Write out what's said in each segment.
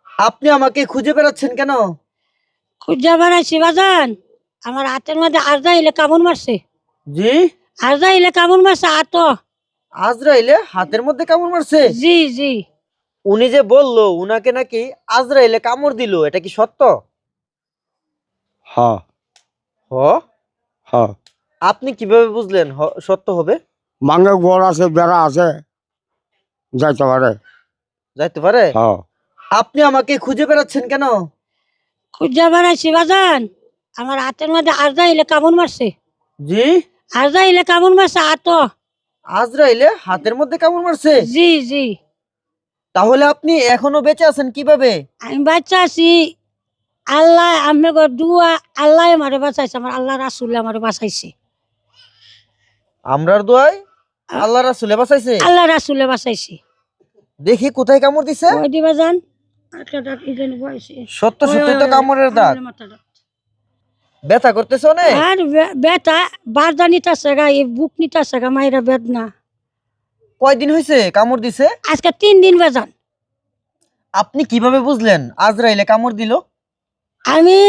আপনি আমাকে খুঁজে বেড়াচ্ছেন কেন? খুঁজা বেড়াইছি বাজান। আমার হাতের মধ্যে আজরাইলে কামড় মারছে। জি? আজরাইলে কামড় মারছে হাত। আজরাইলে হাতের মধ্যে কামড় মারছে? জি জি। উনি যে বললো উনাকে নাকি আজরাইলে কামড় দিল, এটা কি সত্য? হ্যাঁ হ? হ্যাঁ। আপনি কিভাবে বুঝলেন সত্য হবে? মাঙ্গে ঘর আছে, বেড়া আছে, যাইতে পারে। যাইতে পারে? হ্যাঁ। আপনি আমাকে খুঁজে বেড়াচ্ছেন কেন? খুঁজা বেড়াইছি বাজান। আমার হাতের মধ্যে আজরাইলে কামড় মারছে। জি? আজরাইলে কামড় মারছে হাত। আজরাইলে হাতের মধ্যে কামড় মারছে? জি জি। তাহলে আপনি এখনো বেঁচে আছেন কিভাবে? আমি বাচ্চা আছি। আল্লাহ আপনাকে দুয়া, আল্লাহ আমারে বাঁচাইছে, আমার আল্লাহ রাসুল আমারে বাঁচাইছে। আমরার দোয়ায় আল্লাহ রাসূলে বাঁচাইছে? আল্লাহ রাসুলে বাঁচাইছে। দেখি কোথায় কামড় দিছে। ওই দিবা যান। একটা দাঁত ইদেন বয়সে। সত্য সত্যই তো কামড়ের দাগ। ব্যথা করতেছে অনেক? আর বেটা বারদা নিতেছে গা, এই বুক নিতেছে গা, মায়েরা বেদনা। কয়দিন হয়েছে কামড় দিছে? আজকে 3 দিন বাজান। আপনি কিভাবে বুঝলেন আজরাইলে কামড় দিল? আমি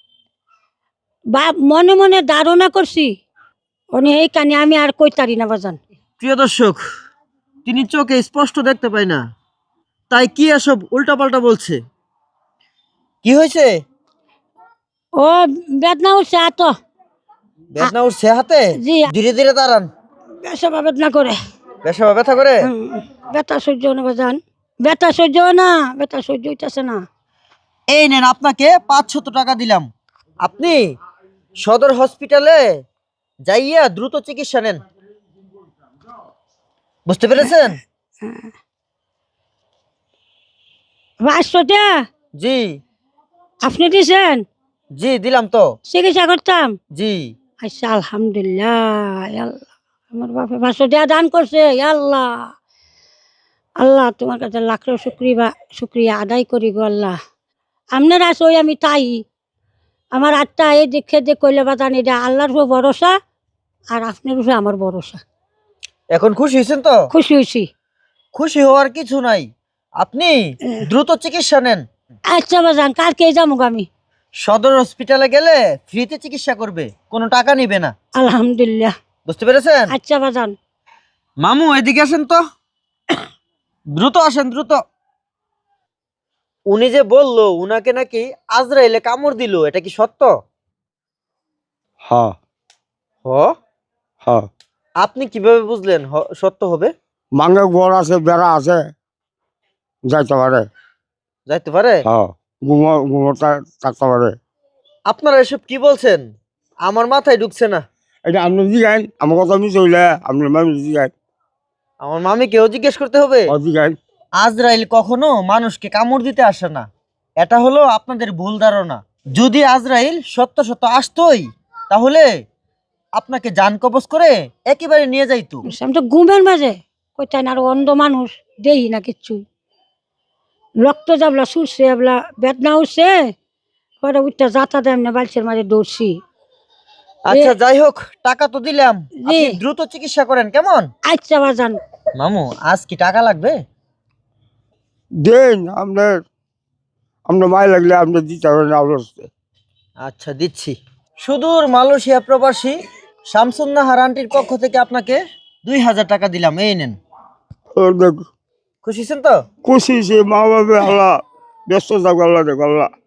মনে মনে ধারণা করছি উনি এই কানে, আমি আর কইতারি না বাজান। প্রিয় দর্শক, তিনি চোখে স্পষ্ট দেখতে পায় না, তাই কি এসব উল্টাপাল্টা বলছে। কি হয়েছে? ও বেদনা উঠছে এত। বেদনা উঠছে হাতে? জি। ধীরে ধীরে দাঁড়ান। বেসবা বেদনা করে। বেশা ব্যথা করে? বেতা সহ্য না বাজান। বেতা সহ্য না, বেতা সহ্য হইতেছে না। এই নেন, আপনাকে 500 টাকা দিলাম। আপনি সদর হসপিটালে যাইয়া দ্রুত চিকিৎসা নেন। বুঝতে পেরেছেন? বাসটা জি আপনি দিছেন? জি দিলাম তো। চিকিৎসা করতাম। জি। আচ্ছা আলহামদুলিল্লাহ। আল্লাহ আমার বাপে 500 টাকা দান করছে। আল্লাহ আল্লাহ তোমার কাছে লাখ শুক্রিয়া আদায় করি গো আল্লাহ। আপনার আছে ওই আমি তাই। আমার আত্মা এই দেখে যে কইলে বাদান, এটা আল্লাহর উপর ভরসা আর আপনার উপরে আমার ভরসা। এখন খুশি হয়েছেন তো? খুশি হয়েছি। খুশি হওয়ার কিছু নাই, আপনি দ্রুত চিকিৎসা নেন। আচ্ছা বাজান, কালকে যাবো আমি। সদর হসপিটালে গেলে ফ্রিতে চিকিৎসা করবে, কোনো টাকা নিবে না। আলহামদুলিল্লাহ। বুঝতে পেরেছেন? আচ্ছা বাজান। মামু এদিকে আসেন তো, দ্রুত আসেন দ্রুত। উনি যে বললো উনাকে নাকি আজরাইলে কামড় দিল, এটা কি সত্য? হ্যাঁ হ? হ্যাঁ। আপনি কিভাবে বুঝলেন সত্য হবে? মাঙ্গে ঘর আছে, বেড়া আছে, যাইতে পারে। যাইতে পারে? হ্যাঁ। ঘুমোটা থাকতে পারে। আপনারা এসব কি বলছেন? আমার মাথায় ঢুকছে না। এটা আপনি জিগাইন, আমার কথা আমি চলে আপনার মানুষ জিগাইন। আমার মামিকেও জিজ্ঞেস করতে হবে? জিগাইন। আজরাইল কখনো মানুষকে কামড় দিতে আসে না, এটা হলো আপনাদের ভুল ধারণা। যদি আজরাইল সত্য সত্য আসতোই তাহলে আপনাকে জান কবজ করে একেবারে নিয়ে যাইতো। আমি তো ঘুমের মাঝে কইতাই না, আর অন্ধ মানুষ দেই না কিচ্ছু। রক্ত যাবলা সুরছে, এবলা বেদনা উঠছে, পরে উঠতে যাতা দেয় না, বালছের মাঝে দৌড়ছি। আচ্ছা যাই হোক, টাকা তো দিলাম, জি। আপনি দ্রুত চিকিৎসা করেন কেমন? আচ্ছা বাজান। মামু আজ কি টাকা লাগবে? দেন আপনার, আপনার মায় লাগলে আপনি দিতে পারেন অবস্থা। আচ্ছা দিচ্ছি। সুদূর মালয়েশিয়া প্রবাসী শামসুন্নাহার আন্টির পক্ষ থেকে আপনাকে 2000 টাকা দিলাম, এই নেন। খুশি হয়েছেন তো? খুশি সে মা বাবা আল্লাহ ব্যস্ত থাকো, আল্লাহ দেখো আল্লাহ।